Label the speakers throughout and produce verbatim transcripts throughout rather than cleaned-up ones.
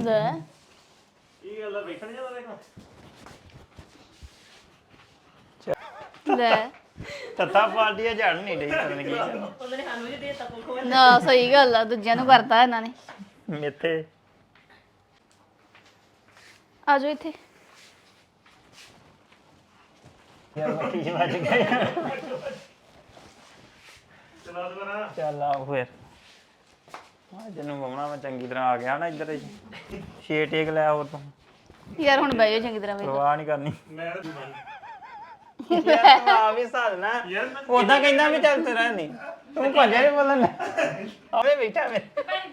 Speaker 1: ਲੈ
Speaker 2: ਇਹ ਗੱਲ ਵੇਖਣ ਜਾਂਦਾ ਦੇਖੋ
Speaker 1: ਲੈ
Speaker 3: ਤੱਤਾ ਪਾਰਟੀਆਂ ਝੜ ਨਹੀਂ ਰਹੀ ਪਤਾ ਨਹੀਂ ਕੀ
Speaker 4: ਉਹਨਾਂ ਨੇ ਸਾਨੂੰ ਵੀ ਦੇ ਦਿੱਤਾ ਕੋਲ
Speaker 1: ਨਾ ਸਹੀ ਗੱਲ ਆ ਦੂਜਿਆਂ ਨੂੰ ਕਰਤਾ ਇਹਨਾਂ ਨੇ
Speaker 3: ਮੇਥੇ
Speaker 1: ਆ ਜਾਓ ਇੱਥੇ
Speaker 3: ਯਾਰ ਮੱਖੀ ਜਿਹੀ ਵੱਜ ਗਈ
Speaker 2: ਚਲਾ ਦੁਬਾਰਾ
Speaker 3: ਚੱਲ ਆਓ ਫਿਰ ਆ ਜਨੂੰ ਬਮਣਾ ਮੈਂ ਚੰਗੀ ਤਰ੍ਹਾਂ ਆ ਗਿਆ ਨਾ ਇੱਧਰ ਛੇ ਟੇਕ ਲੈ ਹੋਰ ਤੂੰ
Speaker 1: ਯਾਰ ਹੁਣ ਬਹਿ ਜਾਓ ਚੰਗੀ ਤਰ੍ਹਾਂ ਵੇਖ
Speaker 3: ਪਰਵਾਹ ਨਹੀਂ ਕਰਨੀ
Speaker 2: ਮੈਂ ਤਾਂ ਜੁਬਾਨ
Speaker 3: ਯਾਰ ਤੂੰ ਆ ਵੀ ਸਾਲਣਾ
Speaker 2: ਯਾਰ ਮੈਂ
Speaker 3: ਉਦਾਂ ਕਹਿੰਦਾ ਵੀ ਚੱਲ ਤੇਰਾ ਨਹੀਂ ਤੂੰ ਭੱਜਿਆ ਨਹੀਂ ਬੋਲਣ ਆਵੇ ਬੈਠਾ ਮੈਂ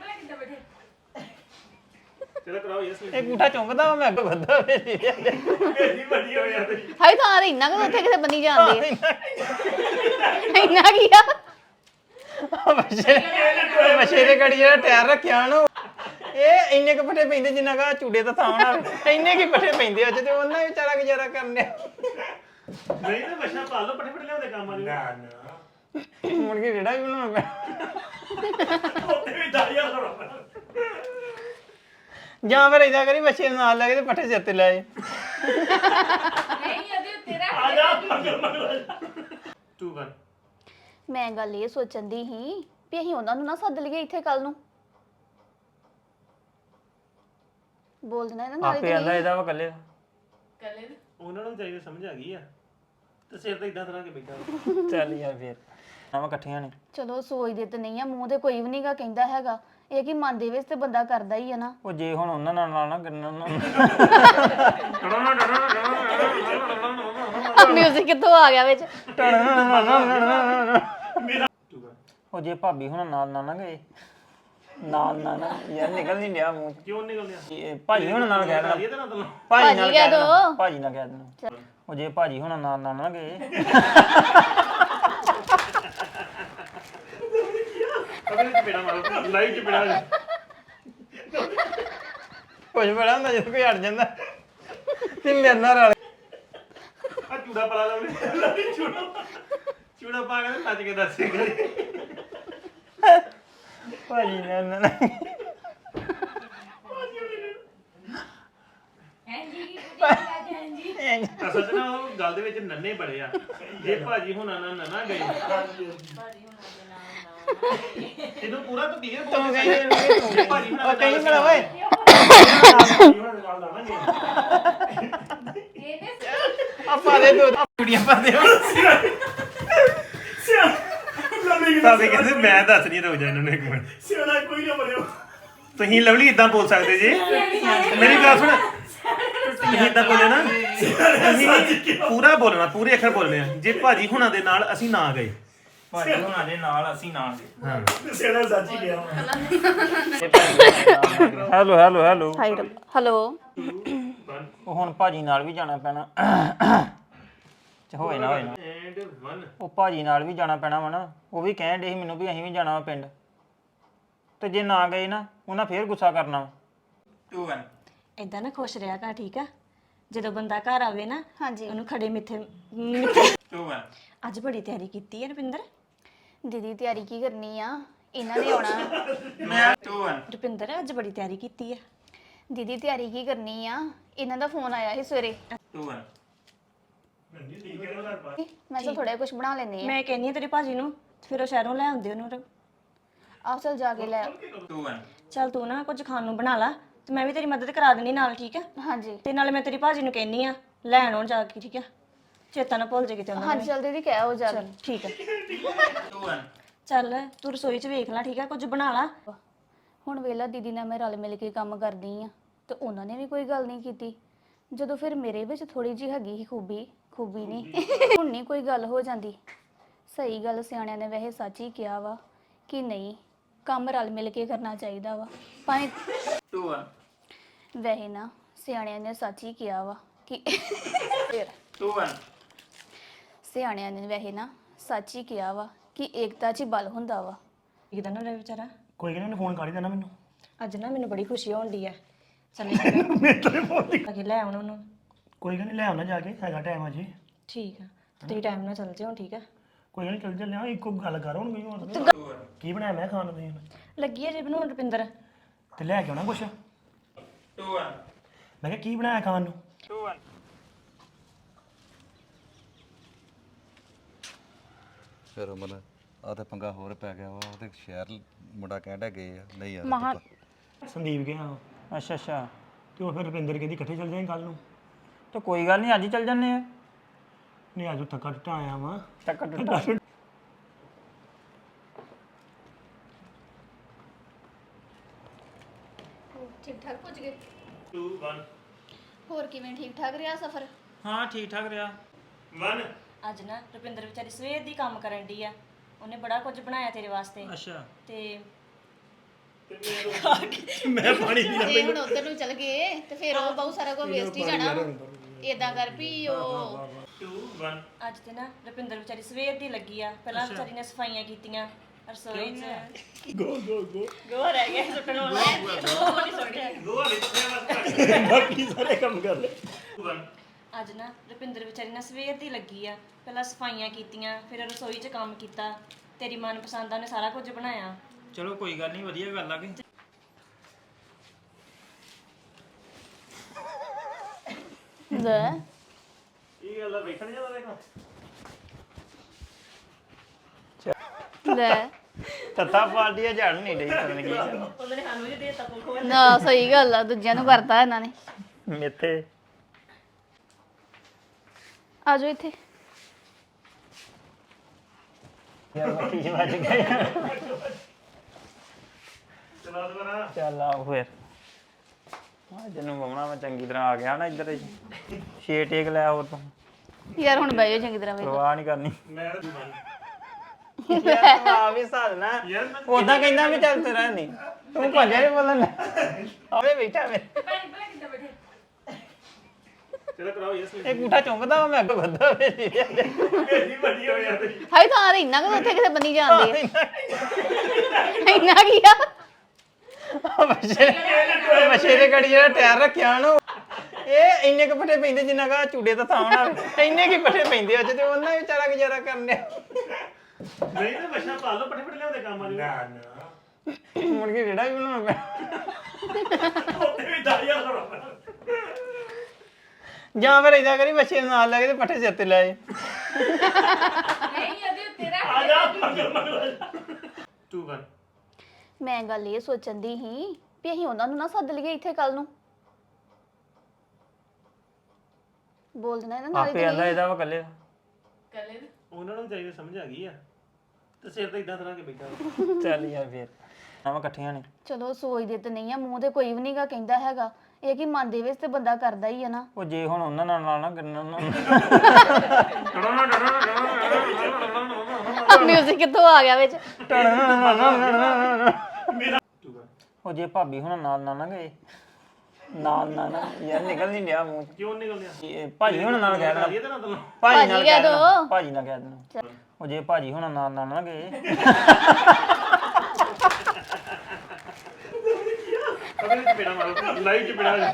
Speaker 2: ਚਲੋ ਕਰਾਓ ਯਸ
Speaker 3: ਇਹ ਗੂਠਾ ਚੁੰਗਦਾ ਵਾ ਮੈਂ ਅੱਗੋਂ ਵੱਧਾ ਵੇ
Speaker 2: ਮੇਰੀ ਵੱਡੀ ਹੋ ਯਾਰ
Speaker 1: ਹਾਈ ਤਾਂ ਇੰਨਾ ਕੁ ਉੱਥੇ ਕਿਤੇ ਬੰਨੀ ਜਾਂਦੇ ਇੰਨਾ ਕੀ ਆ
Speaker 3: ਬੱਚੇ ਬੱਚੇ ਦੇ ਗੜੀ ਜਿਹੜਾ ਟਾਇਰ ਰੱਖਿਆ ਨਾ ਇਹ ਇੰਨੇ ਕੁ ਪੱਠੇ ਪੈਂਦੇ ਜਿੰਨਾ ਕਾ ਚੂੜੇ ਦਾ ਥਾਂ ਨਾ ਇੰਨੇ ਕੀ ਪੱਠੇ ਪੈਂਦੇ ਅੱਜ ਤੇ ਉਹਨਾਂ ਵਿਚਾਰਾ ਗੁਜ਼ਾਰਾ ਕਰਨ ਡਿਆ
Speaker 2: ਨਹੀਂ ਤਾਂ ਮਸ਼ਾ ਪਾ ਲਓ ਪਟੇ ਪਟੇ ਲਿਆਉਂਦੇ ਕੰਮ ਆ ਜੂ ਨਾ ਨਾ
Speaker 3: ਮੁੜ ਕੇ ਜਿਹੜਾ ਵੀ ਬਣਾਉਣਾ ਪੈਣਾ
Speaker 2: ਉੱਤੇ ਵੀ ਦਾਈਆ ਲਾਉਣਾ
Speaker 3: ਜਾਂ ਫਿਰ ਇਦਾਂ ਕਰੀ ਬੱਚੇ ਨੂੰ ਨਾਲ ਲੈ ਕੇ ਤੇ ਪੱਠੇ ਸਿਰ ਤੇ ਲੈ ਜਾਏ
Speaker 4: ਨਹੀਂ ਉਹਦੇ ਉੱਤੇ ਰੱਖ
Speaker 2: ਆ ਜਾ ਮਗਰ ਮਗਰ ਤੂੰ ਕਰ
Speaker 1: ਮੈਂ ਗੱਲ ਇਹ ਸੋਚਣ ਦੀ ਸੀ ਵੀ ਅਸੀਂ ਉਹਨਾਂ ਨੂੰ ਨਾ ਸੱਦ ਲਈਏ ਇੱਥੇ ਕੱਲ ਨੂੰ ਬੋਲ ਦੇਣਾ ਇਹਨਾਂ ਨਾਲ
Speaker 3: ਆਪੇ ਆਂਦਾ ਇਹਦਾ ਵਾ ਕੱਲੇ ਦਾ
Speaker 4: ਕੱਲੇ ਨੂੰ
Speaker 2: ਉਹਨਾਂ ਨੂੰ ਚਾਹੀਦਾ ਸਮਝ ਆ ਗਈ ਆ ਤੇ ਸਿਰ ਤੇ ਇਦਾਂ ਤਰ੍ਹਾਂ ਕੇ ਬੈਠਾ
Speaker 3: ਚੱਲ ਯਾਰ ਫਿਰ ਆਵਾਂ ਇਕੱਠੀਆਂ ਨੇ
Speaker 1: ਚਲੋ ਸੋਚਦੇ ਤੇ ਨਹੀਂ ਆ ਮੂੰਹ ਤੇ ਕੋਈ ਵੀ ਨਹੀਂਗਾ ਕਹਿੰਦਾ ਹੈਗਾ ਇਹ ਕੀ ਮਨ ਦੇ ਵਿੱਚ ਤੇ ਬੰਦਾ ਕਰਦਾ ਹੀ ਆ ਨਾ
Speaker 3: ਉਹ ਜੇ ਹੁਣ ਉਹਨਾਂ ਨਾਲ ਨਾਲ ਨਾ ਕਰਨਾ
Speaker 1: ਮਿਊਜ਼ਿਕ ਕਿੱਥੋਂ ਆ ਗਿਆ ਵਿੱਚ
Speaker 2: ਤੂੰ ਕਰ
Speaker 3: ਉਹ ਜੇ ਭਾਬੀ ਹੁਣ ਨਾਲ ਨਾਲ ਨਾ ਗਏ ਨਾਲ ਨਾਲ ਨਾ ਯਾਰ ਨਿਕਲ ਨਹੀਂ ਡਿਆ ਮੂੰਹ ਚ।
Speaker 2: ਕਿਉਂ ਨਿਕਲ ਗਿਆ
Speaker 3: ਇਹ ਭਾਜੀ ਹੁਣ ਨਾਲ ਕਹਿ ਦੇਣਾ
Speaker 2: ਇਹ ਤਾਂ ਨਾ ਤੈਨੂੰ
Speaker 3: ਭਾਜੀ ਨਾਲ
Speaker 1: ਭਾਜੀ ਕਹਿ
Speaker 3: ਕਹਿ ਦੇਣਾ
Speaker 1: ਦਿਓ।
Speaker 3: ਭਾਜੀ ਨਾਲ ਕਹਿ ਦੇਣਾ ਉਹ ਜੇ ਭਾਜੀ ਹੁਣ ਨਾਲ ਨਾਲ ਨਾ ਗਏ
Speaker 2: ਅਬੇ ਚਪੇੜਾ ਮਾਰੋ ਲਾਈਵ ਚਪੇੜਾ
Speaker 3: ਕੁਝ ਬੜਾ ਹੁੰਦਾ ਜਦੋਂ ਕੋਈ ਅੜ ਜਾਂਦਾ ਤੇ ਮੇਰੇ ਨਾਲ ਰਲ
Speaker 2: ਆ ਚੂੜਾ ਪਲਾ ਲਾਉਣੇ ਚੂੜਾ ਚੂੜਾ ਪਾ ਕੇ ਨੱਚ ਕੇ ਦੱਸੇ ਕਰੀ
Speaker 3: ਭਾਜੀ ਨੇ ਨਾ
Speaker 4: ਹਾਂਜੀ ਹਾਂਜੀ
Speaker 2: ਅਸਲ 'ਚ ਨਾ ਉਹ ਗੱਲ ਦੇ ਵਿੱਚ ਨੰਨੇ ਬੜੇ ਆ ਜੇ ਭਾਜੀ ਹੁਣਾਂ ਨਾਲ ਨਾ ਗਏ ਇਹਨੂੰ ਪੂਰਾ ਤੂੰ ਧੀਰੇ
Speaker 3: ਤੂੰ
Speaker 2: ਬੋਲ
Speaker 3: ਕਹਿੰਦੇ
Speaker 2: ਭਾਜੀ
Speaker 3: ਉਹ ਕਹੀਂ ਬੜਾ ਓਏ
Speaker 2: ਹੁਣਾਂ ਦੇ ਨਾਲ ਲਾਵਾਂਗੇ
Speaker 4: ਇਹਨੇ
Speaker 3: ਆਪਾਂ ਦੇ ਦੋ ਕੁੜੀਆਂ ਪਾ ਦੇ
Speaker 2: ਸਾਬੇ ਕਹਿੰਦੇ ਮੈਂ ਦੱਸ ਨਹੀਂ ਰੁਕ ਜਾ ਇਹਨਾਂ ਨੂੰ ਇੱਕ ਮਿੰਟ ਸਿਆਣਾ ਕੋਈ ਨਾ ਬੜਿਓ ਤੁਸੀਂ ਲਵਲੀ ਇਦਾਂ ਬੋਲ ਸਕਦੇ ਜੀ ਮੇਰੀ ਗੱਲ ਸੁਣ ਤੁਸੀਂ ਇਦਾਂ ਬੋਲੇ ਨਾ ਤੁਸੀਂ ਪੂਰਾ ਬੋਲਣਾ ਪੂਰੇ ਅੱਖਰ ਬੋਲਣੇ ਆ ਜੇ ਭਾਜੀ ਹੁਣਾਂ ਦੇ ਨਾਲ ਅਸੀਂ ਨਾ ਗਏ
Speaker 3: ਭਾਜੀ ਹੁਣਾਂ ਦੇ ਨਾਲ ਅਸੀਂ ਨਾਲ ਗਏ
Speaker 2: ਹਾਂ ਸਿਆਣਾ ਸੱਚ ਹੀ ਗਿਆ
Speaker 3: ਹੈਲੋ ਹੈਲੋ ਹੈਲੋ
Speaker 1: ਹੈਲੋ
Speaker 3: ਉਹ ਹੁਣ ਭਾਜੀ ਨਾਲ ਵੀ ਜਾਣਾ ਪੈਣਾ ਚ ਹੋਏ ਨਾ ਹੋਏ ਨਾ
Speaker 2: ਐਂਡ ਇੱਕ
Speaker 3: ਉਹ ਭਾਜੀ ਨਾਲ ਵੀ ਜਾਣਾ ਪੈਣਾ ਵਾ ਨਾ ਉਹ ਵੀ ਕਹਿਣ ਡੇ ਸੀ ਮੈਨੂੰ ਵੀ ਅਸੀਂ ਵੀ ਜਾਣਾ ਵਾ ਪਿੰਡ ਤੇ ਜੇ ਨਾ ਗਏ ਨਾ ਉਹਨਾਂ ਫੇਰ ਗੁੱਸਾ ਕਰਨਾ ਟੂ ਵਨ
Speaker 4: ਇਦਾਂ ਨਾ ਖੁਸ਼ ਰਿਹਾ ਕਰ ਠੀਕ ਆ ਜਦੋਂ ਬੰਦਾ ਘਰ ਆਵੇ ਨਾ
Speaker 1: ਹਾਂਜੀ
Speaker 4: ਉਹਨੂੰ ਖੜੇ ਮਿੱਠੇ ਮਿੱਠੇ
Speaker 3: ਟੂ ਵਨ
Speaker 4: ਅੱਜ ਬੜੀ ਤਿਆਰੀ ਕੀਤੀ ਹੈ ਰੁਪਿੰਦਰ
Speaker 1: ਦੀਦੀ ਤਿਆਰੀ ਕੀ ਕਰਨੀ ਆ ਇਹਨਾਂ ਨੇ ਆਉਣਾ
Speaker 3: ਮੈਂ ਟੂ ਵਨ
Speaker 4: ਰੁਪਿੰਦਰ ਅੱਜ ਬੜੀ ਤਿਆਰੀ ਕੀਤੀ ਹੈ
Speaker 1: ਦੀਦੀ ਤਿਆਰੀ ਕੀ ਕਰਨੀ ਆ ਇਹਨਾਂ ਦਾ ਫੋਨ ਆਇਆ ਸੀ ਸਵੇਰੇ
Speaker 3: ਟੂ ਵਨ
Speaker 1: ਮੈਂ ਚਲ ਥੋੜਾ ਕੁਝ ਬਣਾ ਲੈਣੀ ਆ
Speaker 4: ਮੈਂ ਕਹਿੰਨੀ ਆ ਤੇਰੇ ਭਾਜੀ ਨੂੰ ਫਿਰ ਉਹ ਸ਼ਹਿਰੋਂ ਲੈ ਆਉਂਦੇ ਉਹਨੂੰ
Speaker 1: ਆਹ ਚਲ ਜਾ ਕੇ ਲੈ
Speaker 3: ਟੂ ਵਨ
Speaker 4: ਚੱਲ ਤੂੰ ਨਾ ਕੁਝ ਖਾਣ ਨੂੰ ਬਣਾ ਲਾ ਤੇ ਮੈਂ ਵੀ ਤੇਰੀ ਮਦਦ ਕਰਾ ਦੇਣੀ ਨਾਲ ਠੀਕ ਆ
Speaker 1: ਹਾਂਜੀ
Speaker 4: ਤੇ ਨਾਲੇ ਮੈਂ ਤੇਰੀ ਭਾਜੀ ਨੂੰ ਕਹਿੰਨੀ ਆ ਲੈਣ ਆਉਣ ਜਾ ਕੇ ਠੀਕ ਆ ਚੇਤਾ ਨਾ ਭੁੱਲ ਜੇ ਕਿਤੇ ਉਹਨਾਂ
Speaker 1: ਹਾਂਜੀ ਚਲ ਦੀਦੀ ਕਹਿ ਹੋ ਜਾ
Speaker 4: ਚੱਲ ਠੀਕ ਆ
Speaker 3: ਟੂ ਵਨ
Speaker 4: ਚੱਲ ਤੂੰ ਰਸੋਈ 'ਚ ਵੇਖ ਲੈ ਠੀਕ ਆ ਕੁਝ ਬਣਾ ਲਾ
Speaker 1: ਹੁਣ ਵੇਲਾ ਦੀਦੀ ਨਾਲ ਮੈਂ ਰਲ ਮਿਲ ਕੇ ਕੰਮ ਕਰਦੀ ਆ ਤੇ ਉਹਨਾਂ ਨੇ ਵੀ ਕੋਈ ਗੱਲ ਨਹੀਂ ਕੀਤੀ ਜਦੋਂ ਫਿਰ ਮੇਰੇ ਵਿੱਚ ਥੋੜੀ ਜਿਹੀ ਹੈਗੀ ਸੀ ਖੂਬੀ ਖੂਬੀ ਨਹੀਂ ਹੁਣ ਨਹੀਂ ਕੋਈ ਗੱਲ ਹੋ ਜਾਂਦੀ ਸਹੀ ਗੱਲ ਸਿਆਣਿਆਂ ਨੇ ਵੈਸੇ ਸੱਚ ਹੀ ਕਿਹਾ ਵਾ ਕਿ ਨਹੀਂ ਕੰਮ ਰਲ ਮਿਲ ਕੇ ਕਰਨਾ ਚਾਹੀਦਾ ਵਾ ਭਾਵੇਂ
Speaker 3: ਟੂ ਵਨ
Speaker 1: ਵੈਸੇ ਨਾ ਸਿਆਣਿਆਂ ਨੇ ਸੱਚ ਹੀ ਕਿਹਾ ਵਾ ਕਿ ਫਿਰ
Speaker 3: ਟੂ ਵਨ
Speaker 1: ਸਿਆਣਿਆਂ ਨੇ ਵੈਸੇ ਨਾ ਸੱਚ ਹੀ ਕਿਹਾ ਵਾ ਕਿ ਏਕਤਾ 'ਚ ਹੀ ਬਲ ਹੁੰਦਾ ਵਾ
Speaker 4: ਇੱਕਦਮ ਨਾ ਰਹਿ ਵਿਚਾਰਾ
Speaker 2: ਕੋਈ ਕਹਿੰਦਾ ਫੋਨ ਕਰ ਹੀ ਦੇਣਾ ਮੈਨੂੰ
Speaker 4: ਅੱਜ ਨਾ ਮੈਨੂੰ ਬੜੀ ਖੁਸ਼ੀ ਹੋਣ ਦੀ ਹੈ ਚੱਲੇ
Speaker 2: ਮੇਰੇ ਤੋਂ ਫੋਨ ਦੀ
Speaker 4: ਆ ਕੇ ਲੈ ਆਉਣ ਉਹਨੂੰ
Speaker 2: ਕੋਈ ਕਹਿੰਦਾ ਲੈ ਆਉਣਾ ਜਾ ਕੇ ਹੈਗਾ ਟਾਈਮ ਅਜੇ
Speaker 4: ਠੀਕ ਆ ਤੇ ਟਾਈਮ ਨਾਲ ਚੱਲ ਜਿਓ ਠੀਕ ਆ
Speaker 2: ਕੋਈ ਨਹੀਂ ਚੱਲ ਚੱਲਿਆ ਇੱਕੋ ਗੱਲ ਕਰ ਹੁਣ ਕੋਈ ਹੋਰ ਕੀ ਬਣਾਇਆ ਮੈਂ ਖਾਣ ਨੂੰ ਤੁਸੀਂ
Speaker 4: ਲੱਗੀ ਹੈ ਜੇ ਬਣਾਉਣ ਰੁਪਿੰਦਰ
Speaker 2: ਤੇ ਲੈ ਕੇ ਆਉਣਾ ਕੁਛ
Speaker 3: two one
Speaker 2: ਮੈਂ ਕਿਹਾ ਕੀ ਬਣਾਇਆ ਖਾਣ ਨੂੰ
Speaker 3: two one
Speaker 5: ਫਿਰ ਮਨ ਆ ਤੇ ਪੰਗਾ ਹੋਰ ਪੈ ਗਿਆ ਵਾ ਉਹ ਤੇ ਸ਼ਹਿਰ ਮੁੰਡਾ ਕਹਿੰਦਾ ਗਏ ਆ ਨਹੀਂ ਯਾਰ
Speaker 1: ਮਹਾ
Speaker 2: ਸੰਦੀਪ ਗਿਆ
Speaker 3: ਅੱਛਾ ਅੱਛਾ
Speaker 2: ਤੇ ਉਹ ਫਿਰ ਰੁਪਿੰਦਰ ਕਹਿੰਦੀ ਇਕੱਠੇ ਚੱਲ ਜਾਈਂ ਕੱਲ ਨੂੰ
Speaker 3: ਤੇ ਕੋਈ ਗੱਲ ਨਹੀਂ ਅੱਜ ਹੀ ਚੱਲ ਜੰਨੇ ਆ
Speaker 2: ਨਹੀਂ ਅੱਜ ਥੱਕਾ ਟੁੱਟਾ ਆਇਆ ਵਾਂ
Speaker 3: ਟੱਕਰ ਟੁੱਟਾ
Speaker 1: ਠੀਕ ਠਾਕ ਪੁੱਜ ਗਏ
Speaker 2: two one
Speaker 1: ਹੋਰ ਕਿਵੇਂ ਠੀਕ ਠਾਕ ਰਿਹਾ ਸਫ਼ਰ
Speaker 3: ਹਾਂ ਠੀਕ ਠਾਕ ਰਿਹਾ
Speaker 2: one
Speaker 4: ਅੱਜ ਨਾ ਰੁਪਿੰਦਰ ਵਿਚਾਰੀ ਸਵੇਰ ਦੀ ਕੰਮ ਕਰਨ ਦੀ ਆ ਉਹਨੇ ਬੜਾ ਕੁਝ ਬਣਾਇਆ ਤੇਰੇ ਵਾਸਤੇ
Speaker 3: ਅੱਛਾ
Speaker 4: ਤੇ
Speaker 2: ਮੈਂ ਪਾਣੀ ਪੀਣਾ
Speaker 1: ਜੇ ਹੁਣ ਉਧਰ ਨੂੰ ਚਲ ਗਏ ਤੇ ਫਿਰ ਉਹ ਬਹੁਤ ਸਾਰਾ ਕੁਝ ਵੇਸਟ ਹੀ ਜਾਣਾ ਏਦਾਂ ਕਰ ਵੀ ਉਹ
Speaker 2: two one
Speaker 4: ਅੱਜ ਤੇ ਨਾ ਰੁਪਿੰਦਰ ਵਿਚਾਰੀ ਸਵੇਰ ਦੀ ਲੱਗੀ ਆ ਪਹਿਲਾਂ ਵਿਚਾਰੀ ਨੇ ਸਫਾਈਆਂ ਕੀਤੀਆਂ ਰਸੋਈ 'ਚ
Speaker 2: ਗੋ ਗੋ ਗੋ
Speaker 4: ਗੋ ਰਹਿ ਗਿਆ ਸੁੱਟਣ ਵਾਲਾ ਉਹ ਨਹੀਂ ਸੁੱਟਿਆ
Speaker 2: ਗੋ ਵਿੱਚ ਬਾਕੀ ਸਾਰੇ ਕੰਮ ਕਰ ਲੈ two one
Speaker 4: ਅੱਜ ਨਾ ਰੁਪਿੰਦਰ ਵਿਚਾਰੀ ਨਾ ਸਵੇਰ ਦੀ ਲੱਗੀ ਆ ਪਹਿਲਾਂ ਸਫਾਈਆਂ ਕੀਤੀਆਂ ਫਿਰ ਰਸੋਈ 'ਚ ਕੰਮ ਕੀਤਾ ਤੇਰੀ ਮਨਪਸੰਦ ਦਾ ਨੇ ਸਾਰਾ ਕੁਝ ਬਣਾਇਆ
Speaker 3: ਚਲੋ ਕੋਈ ਗੱਲ ਨਹੀਂ ਵਧੀਆ ਗੱਲ ਆ ਕਿ
Speaker 1: ਲੈ
Speaker 2: ਇਹ ਗੱਲ ਆ ਵੇਖਣ ਜਾਂਦਾ ਦੇਖੋ
Speaker 1: ਲੈ
Speaker 3: ਤੱਤਾ ਪਾਰਟੀ ਆ ਝੜ ਨਹੀਂ ਡਈ ਪਤਾ ਨਹੀਂ ਕੀ ਗੱਲ।
Speaker 4: ਉਹਨਾਂ ਨੇ ਸਾਨੂੰ ਵੀ ਦੇ ਦਿੱਤਾ ਕੋਲ
Speaker 1: ਨਾ ਸਹੀ ਗੱਲ ਆ ਦੂਜਿਆਂ ਨੂੰ ਕਰਤਾ ਇਹਨਾਂ ਨੇ
Speaker 3: ਮੇਥੇ
Speaker 1: ਆ ਜਾਓ ਇੱਥੇ
Speaker 3: ਯਾਰ ਮੱਖੀ ਜਿਹੀ ਵੱਜ ਗਈ
Speaker 2: ਚਲਾ ਦੁਬਾਰਾ
Speaker 3: ਚੱਲ ਆ ਫਿਰ ਅੱਜ ਨੂੰ ਬਵਣਾ ਮੈਂ ਚੰਗੀ ਤਰ੍ਹਾਂ ਆ ਗਿਆ ਨਾ ਇੱਧਰ ਛੇ ਟੇਕ ਲੈ ਹੋਰ ਤੂੰ
Speaker 1: ਯਾਰ ਹੁਣ ਬਹਿ ਜਾਓ ਚੰਗੀ ਤਰ੍ਹਾਂ ਵੇਖ
Speaker 3: ਪਰਵਾਹ ਨਹੀਂ ਕਰਨੀ
Speaker 2: ਮੈਂ two one
Speaker 3: ਯਾਰ ਤੂੰ ਆ ਵੀ ਸਾਲਣਾ
Speaker 2: ਯਾਰ ਮੈਂ
Speaker 3: ਉਦਾਂ ਕਹਿੰਦਾ ਵੀ ਚੱਲ ਤੇਰਾ ਨਹੀਂ ਤੂੰ ਭੱਜਿਆ ਨਹੀਂ ਬੋਲਣ ਆਵੇ ਬੈਠਾ ਵੇ
Speaker 2: ਚਲੋ ਕਰਾਓ ਯਸ
Speaker 3: ਇਹ ਗੂਠਾ ਚੁੰਗਦਾ ਵਾ ਮੈਂ ਅੱਗੇ ਵੱਧਾ ਵੇ
Speaker 2: ਮੇਰੀ ਵੱਡੀ ਹੋ ਯਾਰ
Speaker 1: ਹਾਈ ਤਾਂ ਤੇ ਇੰਨਾ ਕੁ ਉੱਥੇ ਕਿਤੇ ਬੰਨੀ ਜਾਂਦੇ ਇੰਨਾ ਕੀ ਆ
Speaker 3: ਮਸ਼ੇ ਮਸ਼ੇ ਦੇ ਗੜੀ ਜਿਹੜਾ ਟਾਇਰ ਰੱਖਿਆ ਨੂੰ ਇਹ ਇੰਨੇ ਕੁ ਪੱਠੇ ਪੈਂਦੇ ਜਿੰਨਾ ਕਾ ਚੂੜੇ ਦਾ ਥਾਂ ਨਾ ਇੰਨੇ ਕੀ ਪੱਠੇ ਪੈਂਦੇ ਅੱਜ ਤੇ ਉਹਨਾਂ ਵਿਚਾਰਾ ਗੁਜ਼ਾਰਾ ਕਰਨੇ
Speaker 2: ਨਹੀਂ ਤਾਂ ਮਸ਼ਾ ਪਾ ਲਓ ਪੱਠੇ ਪੱਠੇ ਲਿਆਉਂਦੇ ਕੰਮ ਵਾਲੀ ਨਾ ਨਾ
Speaker 3: ਮੁੜ ਕੇ ਜਿਹੜਾ ਵੀ ਬਣਾਉਣਾ ਪੈਣਾ
Speaker 2: ਉੱਤੇ ਵੀ ਦਾਈਆ ਲਾਉਣਾ
Speaker 3: ਜਾਂ ਫਿਰ ਇਦਾਂ ਕਰੀ ਮੱਛੀ ਨੂੰ ਨਾਲ ਲੈ ਕੇ ਤੇ ਪੱਠੇ ਸਿਰ ਤੇ ਲੈ ਆਏ
Speaker 2: ਆ ਜਾ ਮਗਰ ਮਗਰ two one
Speaker 1: ਮੈਂ ਗੱਲ ਇਹ ਸੋਚਣ ਦੀ ਸੀ ਵੀ ਅਸੀਂ ਉਹਨਾਂ ਨੂੰ ਨਾ ਸੱਦ ਲਈਏ ਇੱਥੇ ਕੱਲ ਨੂੰ ਬੋਲ ਦੇਣਾ ਇਹਨਾਂ ਨਾਲ
Speaker 3: ਆਪੇ ਆਂਦਾ ਇਹਦਾ ਵਾ ਕੱਲੇ
Speaker 2: ਉਹਨਾਂ ਨੂੰ ਚਾਹੀਦਾ ਸਮਝ ਆ ਗਈ ਆ ਤੇ ਸਿਰ ਤੇ ਇਦਾਂ ਤਰ੍ਹਾਂ ਕੇ ਬੈਠਾ
Speaker 3: ਚੱਲ ਯਾਰ ਫੇਰ ਆਵਾਂ ਇਕੱਠੀਆਂ ਨੇ
Speaker 1: ਚਲੋ ਸੋਚਦੇ ਤੇ ਨਹੀਂ ਆ ਮੂੰਹ ਤੇ ਕੋਈ ਵੀ ਨਹੀਂਗਾ ਕਹਿੰਦਾ ਹੈਗਾ ਇਹ ਕਿ ਮਨ ਦੇ ਵਿੱਚ ਤੇ ਬੰਦਾ ਕਰਦਾ ਹੀ ਆ ਨਾ
Speaker 3: ਉਹ ਜੇ ਹੁਣ ਉਹਨਾਂ ਨਾਲ ਨਾਲ ਨਾ ਕਰਨਾ ਉਹਨਾਂ
Speaker 1: ਮਿਊਜ਼ਿਕ ਕਿੱਥੋਂ ਆ ਗਿਆ ਵਿੱਚ
Speaker 2: two one
Speaker 3: ਉਹ ਜੇ ਭਾਬੀ ਹੁਣ ਨਾਲ ਨਾ ਨਾ ਗਏ ਨਾਲ ਨਾ ਨਾ ਯਾਰ ਨਿਕਲ ਨਹੀਂ ਲਿਆ ਮੂੰਹ
Speaker 2: ਕਿਉਂ ਨਿਕਲ ਗਿਆ
Speaker 3: ਇਹ ਭਾਜੀ ਹੁਣ ਨਾਲ ਕਹਿ ਦੇਣਾ
Speaker 2: ਇਹ ਤਾਂ ਨਾ ਤੈਨੂੰ
Speaker 3: ਭਾਜੀ ਨਾਲ
Speaker 1: ਭਾਜੀ
Speaker 3: ਕਹਿ
Speaker 1: ਕਹਿ
Speaker 3: ਦੇਣਾ
Speaker 1: ਦਿਓ।
Speaker 3: ਭਾਜੀ ਨਾਲ ਕਹਿ ਦੇਣਾ ਉਹ ਜੇ ਭਾਜੀ ਹੁਣ ਨਾਲ ਨਾਲ ਨਾ ਗਏ
Speaker 2: ਅਬੇ ਚ ਪੇੜਾ ਮਾਰੋ ਲਾਈਵ ਚ ਪੇੜਾ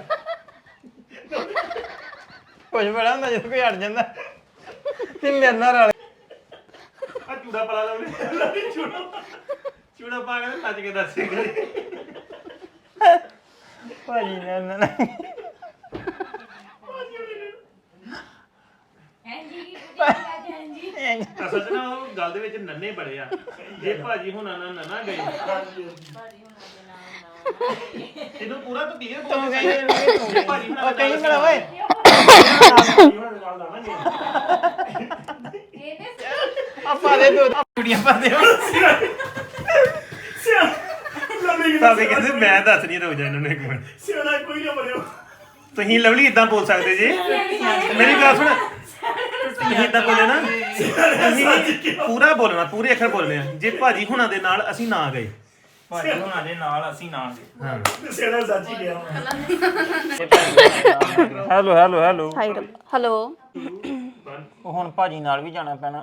Speaker 3: ਕੁਝ ਬੜਾ ਹੁੰਦਾ ਜਦੋਂ ਕੋਈ ਅੜ ਜਾਂਦਾ ਤੇ ਮੇਰੇ ਨਾਲ ਰਲ
Speaker 2: ਆ ਚੂੜਾ ਪਾ ਲਾ ਉਹਨੇ ਚੂੜਾ ਚੂੜਾ ਪਾ ਕੇ ਨੱਚ ਕੇ ਦੱਸੇ
Speaker 3: ਭਾਜੀ ਨਾਲ ਨਾ ਨਾ
Speaker 2: ਅਸਲ ਚ ਨਾ ਉਹ ਗੱਲ ਦੇ ਵਿੱਚ ਨੰਨੇ ਬੜੇ ਆ ਜੇ ਭਾਜੀ ਹੁਣਾਂ ਨਾਲ ਨਾ ਗਏ ਇਹਨੂੰ ਪੂਰਾ ਤੂੰ ਕੀ
Speaker 3: ਤੂੰ ਕਹਿੰਦੇ
Speaker 2: ਜੇ ਭਾਜੀ ਹੁਣਾਂ
Speaker 3: ਉਹ ਕਹੀਂ ਬੜਾ ਓਏ ਆਪਾਂ ਦੇ ਦੋ ਕੁੜੀਆਂ ਪਾ ਦੇ
Speaker 2: ਭਾਵੇਂ ਕਹਿੰਦੇ ਮੈਂ ਦੱਸ ਨਹੀਂ ਰੁਕ ਜਾ ਇਹਨਾਂ ਨੂੰ ਇੱਕ ਮਿੰਟ ਸਿਆਣਾ ਕੋਈ ਨਾ ਬੜਿਓ ਤੁਸੀਂ ਲਵਲੀ ਇਦਾਂ ਬੋਲ ਸਕਦੇ ਜੀ ਮੇਰੀ ਗੱਲ ਸੁਣ ਤੁਸੀਂ ਇਦਾਂ ਬੋਲੇ ਨਾ ਤੁਸੀਂ ਪੂਰਾ ਬੋਲਣਾ ਪੂਰੇ ਅੱਖਰ ਬੋਲਣੇ ਆ ਜੇ ਭਾਜੀ ਹੁਣਾਂ ਦੇ ਨਾਲ ਅਸੀਂ ਨਾ ਗਏ
Speaker 3: ਭਾਜੀ ਹੁਣਾਂ ਦੇ ਨਾਲ ਅਸੀਂ ਨਾਲ ਗਏ
Speaker 2: ਹਾਂ ਸਿਆਣਾ ਸੱਚ ਹੀ ਗਿਆ
Speaker 3: hello hello hello
Speaker 1: hi hello
Speaker 3: ਉਹ ਹੁਣ ਭਾਜੀ ਨਾਲ ਵੀ ਜਾਣਾ ਪੈਣਾ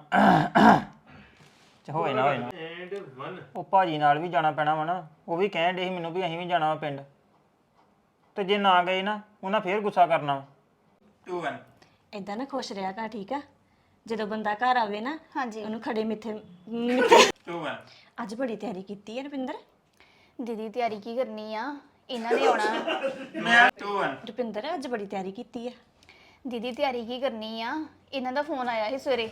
Speaker 3: ਚ ਹੋਏ ਨਾ ਹੋਏ ਨਾ
Speaker 2: ਐਂਡ one
Speaker 3: ਉਹ ਭਾਜੀ ਨਾਲ ਵੀ ਜਾਣਾ ਪੈਣਾ ਵਾ ਨਾ ਉਹ ਵੀ ਕਹਿਣ ਡੇ ਸੀ ਮੈਨੂੰ ਵੀ ਅਸੀਂ ਵੀ ਜਾਣਾ ਵਾ ਪਿੰਡ ਤੇ ਜੇ ਨਾ ਗਏ ਨਾ ਉਹਨਾਂ ਫੇਰ ਗੁੱਸਾ ਕਰਨਾ ਵਾ two one
Speaker 4: ਇਦਾਂ ਨਾ ਖੁਸ਼ ਰਿਹਾ ਕਰ ਠੀਕ ਆ ਜਦੋਂ ਬੰਦਾ ਘਰ ਆਵੇ ਨਾ
Speaker 1: ਹਾਂਜੀ
Speaker 4: ਉਹਨੂੰ ਖੜੇ ਮਿੱਠੇ ਮਿੱਠੇ
Speaker 3: two one
Speaker 4: ਅੱਜ ਬੜੀ ਤਿਆਰੀ ਕੀਤੀ ਹੈ ਰੁਪਿੰਦਰ
Speaker 1: ਦੀਦੀ ਤਿਆਰੀ ਕੀ ਕਰਨੀ ਆ ਇਹਨਾਂ ਨੇ ਆਉਣਾ।
Speaker 4: ਰੁਪਿੰਦਰ ਅੱਜ ਬੜੀ ਤਿਆਰੀ ਕੀਤੀ ਆ।
Speaker 1: ਦੀਦੀ ਤਿਆਰੀ ਕੀ ਕਰਨੀ ਆ, ਇਹਨਾਂ ਦਾ ਫੋਨ ਆਇਆ ਸੀ ਸਵੇਰੇ।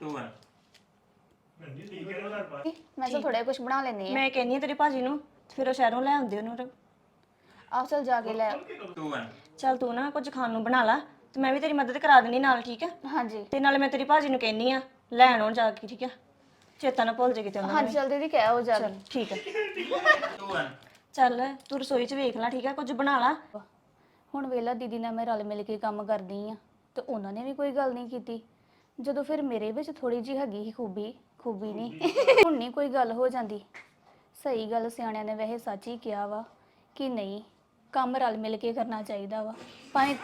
Speaker 1: ਮੈਂ ਚਲ ਥੋੜਾ ਕੁਝ ਬਣਾ ਲੈਣੀ ਆ।
Speaker 4: ਮੈਂ ਕਹਿੰਨੀ ਆ ਤੇਰੇ ਭਾਜੀ ਨੂੰ ਫਿਰ ਉਹ ਸ਼ਹਿਰੋਂ ਲੈ ਆਉਂਦੇ ਉਹਨੂੰ।
Speaker 1: ਆਪ ਚਲ ਜਾ ਕੇ ਲੈ ਆਓ।
Speaker 4: ਚੱਲ ਤੂੰ ਨਾ ਕੁਝ ਖਾਣ ਨੂੰ ਬਣਾ ਲਾ ਤੇ ਮੈਂ ਵੀ ਤੇਰੀ ਮਦਦ ਕਰਾ ਦੇਣੀ ਨਾਲ, ਠੀਕ ਆ?
Speaker 1: ਹਾਂਜੀ
Speaker 4: ਤੇ ਨਾਲੇ ਮੈਂ ਤੇਰੀ ਭਾਜੀ ਨੂੰ ਕਹਿੰਨੀ ਆ ਲੈਣ ਆਉਣ ਜਾ ਕੇ, ਠੀਕ ਆ? ਚੇਤਾ ਨਾ ਭੁੱਲ ਜੇ ਕਿਤੇ ਉਹਨਾਂ
Speaker 1: ਹਾਂਜੀ ਚਲ ਦੀਦੀ ਕਹਿ ਹੋ ਜਾ ਕੇ।
Speaker 4: ਨੂੰ। ਠੀਕ ਆ ਚੱਲ ਤੂੰ ਰਸੋਈ 'ਚ ਵੇਖ ਲੈ, ਠੀਕ ਆ? ਕੁਝ ਬਣਾ ਲਾ।
Speaker 1: ਹੁਣ ਵੇਲਾ ਦੀਦੀ ਨਾਲ ਮੈਂ ਰਲ ਮਿਲ ਕੇ ਕੰਮ ਕਰਦੀ ਆ ਤੇ ਉਹਨਾਂ ਨੇ ਵੀ ਕੋਈ ਗੱਲ ਨਹੀਂ ਕੀਤੀ। ਜਦੋਂ ਫਿਰ ਮੇਰੇ ਵਿੱਚ ਥੋੜੀ ਜਿਹੀ ਹੈਗੀ ਸੀ ਖੂਬੀ ਖੂਬੀ ਨਹੀਂ ਹੁਣ ਨਹੀਂ ਕੋਈ ਗੱਲ ਹੋ ਜਾਂਦੀ। ਸਹੀ ਗੱਲ ਸਿਆਣਿਆਂ ਨੇ ਵੈਸੇ ਸੱਚ ਹੀ ਕਿਹਾ ਵਾ ਕਿ ਨਹੀਂ ਕੰਮ ਰਲ ਮਿਲ ਕੇ ਕਰਨਾ ਚਾਹੀਦਾ ਵਾ। ਭਾਵੇਂ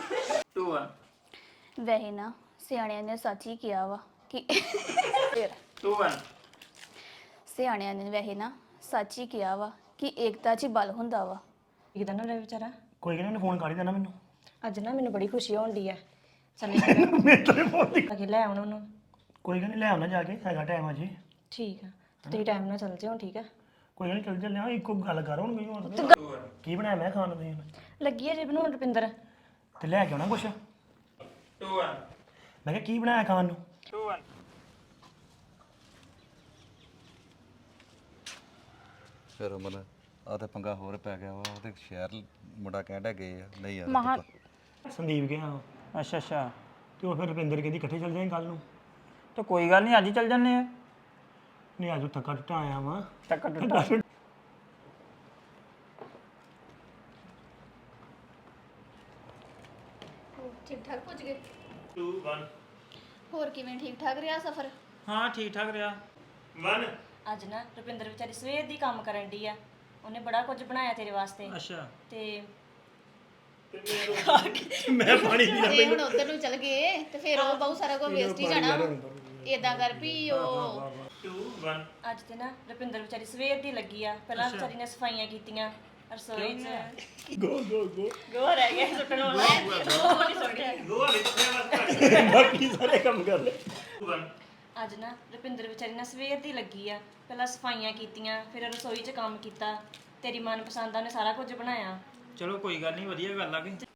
Speaker 1: ਵੈਸੇ ਨਾ ਸਿਆਣਿਆਂ ਨੇ ਸੱਚ ਹੀ ਕਿਹਾ ਵਾ ਕਿ ਫਿਰ ਸਿਆਣਿਆਂ ਨੇ ਵੈਸੇ ਨਾ ਸੱਚ ਹੀ ਕਿਹਾ ਵਾ ਕਿ ਏਕਤਾ 'ਚ ਹੀ ਬਲ ਹੁੰਦਾ ਵਾ।
Speaker 4: ਕਿਦਾਂ ਨਾ ਰਹੇ ਵਿਚਾਰਾ।
Speaker 6: ਕੋਈ ਕਹਿੰਦਾ ਫੋਨ ਕਰ ਹੀ ਦੇਣਾ ਮੈਨੂੰ।
Speaker 4: ਅੱਜ ਨਾ ਮੈਨੂੰ ਬੜੀ ਖੁਸ਼ੀ ਹੋਣ ਦੀ ਆ। ਚੱਲ ਅਗੇ ਲੈ ਆਉਣਾ ਉਹਨੂੰ।
Speaker 6: ਕੋਈ ਕਹਿੰਦਾ ਲੈ ਆਉਣਾ ਜਾ ਕੇ, ਹੈਗਾ ਟਾਈਮ ਅਜੇ।
Speaker 4: ਠੀਕ ਆ ਤੁਸੀਂ ਟਾਈਮ ਨਾਲ ਚੱਲ ਜਿਓ, ਠੀਕ ਆ?
Speaker 6: ਕੋਈ ਨਹੀਂ ਚੱਲ ਚੱਲਿਆ, ਇੱਕੋ ਗੱਲ ਕਰ ਹੁਣ ਮੈਨੂੰ ਹੁਣ। ਕੀ ਬਣਾਇਆ ਮੈਂ ਖਾਣ ਨੂੰ ਤੁਸੀਂ ਹੁਣ?
Speaker 4: ਲੱਗੀ ਆ ਜੇ ਬਣਾਉਣ ਰੁਪਿੰਦਰ।
Speaker 6: ਤੇ ਲੈ ਕੇ ਆਉਣਾ ਕੁਛ। ਮੈਂ ਕਿਹਾ ਕੀ ਬਣਾਇਆ ਖਾਣ ਨੂੰ?
Speaker 5: ਫਿਰ ਮਨ ਆ ਤੇ ਪੰਗਾ ਹੋਰ ਪੈ ਗਿਆ ਵਾ ਉਹਦੇ ਸ਼ਹਿਰ ਮੁੰਡਾ ਕਹਿੰਦਾ ਗਏ ਆ ਨਹੀਂ ਯਾਰ
Speaker 1: ਮਹਾ
Speaker 6: ਸੰਦੀਪ ਗਿਆ
Speaker 3: ਅੱਛਾ ਅੱਛਾ
Speaker 6: ਤੇ ਉਹ ਫਿਰ ਰੁਪਿੰਦਰ ਕਹਿੰਦੀ ਇਕੱਠੇ ਚੱਲ ਜਾਏ ਕੱਲ ਨੂੰ।
Speaker 3: ਤੇ ਕੋਈ ਗੱਲ ਨਹੀਂ ਅੱਜ ਹੀ ਚੱਲ ਜੰਨੇ ਆ।
Speaker 6: ਨਹੀਂ ਅੱਜ ਥੱਕਾ ਟੁੱਟਾ ਆਇਆ ਵਾਂ।
Speaker 3: ਟੱਕਾ ਟੁੱਟਾ
Speaker 1: ਠੀਕ ਠਾਕ ਪਹੁੰਚ ਗਏ। ਦੋ ਇੱਕ ਹੋਰ ਕਿਵੇਂ ਠੀਕ ਠਾਕ ਰਿਹਾ ਸਫ਼ਰ?
Speaker 3: ਹਾਂ ਠੀਕ ਠਾਕ ਰਿਹਾ।
Speaker 2: ਇੱਕ
Speaker 4: ਅੱਜ ਨਾ ਰੁਪਿੰਦਰ ਵਿਚਾਰੀ ਸਵੇਰ ਦੀ ਕੰਮ ਕਰਨ ਦੀ ਆ। ਉਹਨੇ ਬੜਾ ਕੁਝ ਬਣਾਇਆ ਤੇਰੇ ਵਾਸਤੇ
Speaker 3: ਅੱਛਾ
Speaker 4: ਤੇ
Speaker 6: ਮੈਂ ਪਾਣੀ ਪੀ
Speaker 1: ਜੇ ਹੁਣ ਉਧਰ ਨੂੰ ਚਲ ਗਏ ਤੇ ਫਿਰ ਉਹ ਬਹੁਤ ਸਾਰਾ ਕੁਝ ਵੇਸਟ ਹੀ ਜਾਣਾ। ਏਦਾਂ ਕਰ ਵੀ ਉਹ
Speaker 2: ਦੋ ਇੱਕ
Speaker 4: ਅੱਜ ਤੇ ਨਾ ਰੁਪਿੰਦਰ ਵਿਚਾਰੀ ਸਵੇਰ ਦੀ ਲੱਗੀ ਆ। ਪਹਿਲਾਂ ਵਿਚਾਰੀ ਨੇ ਸਫਾਈਆਂ ਕੀਤੀਆਂ ਰਸੋਈ 'ਚ।
Speaker 6: ਗੋ ਗੋ ਗੋ
Speaker 4: ਗੋ ਰਹਿ ਗਿਆ ਸੁੱਟਣ ਵਾਲਾ। ਉਹ ਨਹੀਂ ਸੁੱਟਿਆ।
Speaker 2: ਦੋ ਵਿੱਚ
Speaker 6: ਬਾਕੀ ਸਾਰੇ ਕੰਮ ਕਰ ਲੈ।
Speaker 4: ਅੱਜ ਨਾ ਰੁਪਿੰਦਰ ਵਿਚਾਰੀ ਨਾ ਸਵੇਰ ਦੀ ਲੱਗੀ ਆ। ਪਹਿਲਾਂ ਸਫਾਈਆਂ ਕੀਤੀਆਂ ਫਿਰ ਰਸੋਈ 'ਚ ਕੰਮ ਕੀਤਾ। ਤੇਰੀ ਮਨਪਸੰਦ ਦਾ ਨੇ ਸਾਰਾ ਕੁਝ ਬਣਾਇਆ।
Speaker 3: ਚਲੋ ਕੋਈ ਗੱਲ ਨਹੀਂ, ਵਧੀਆ ਗੱਲ ਆ ਕਿ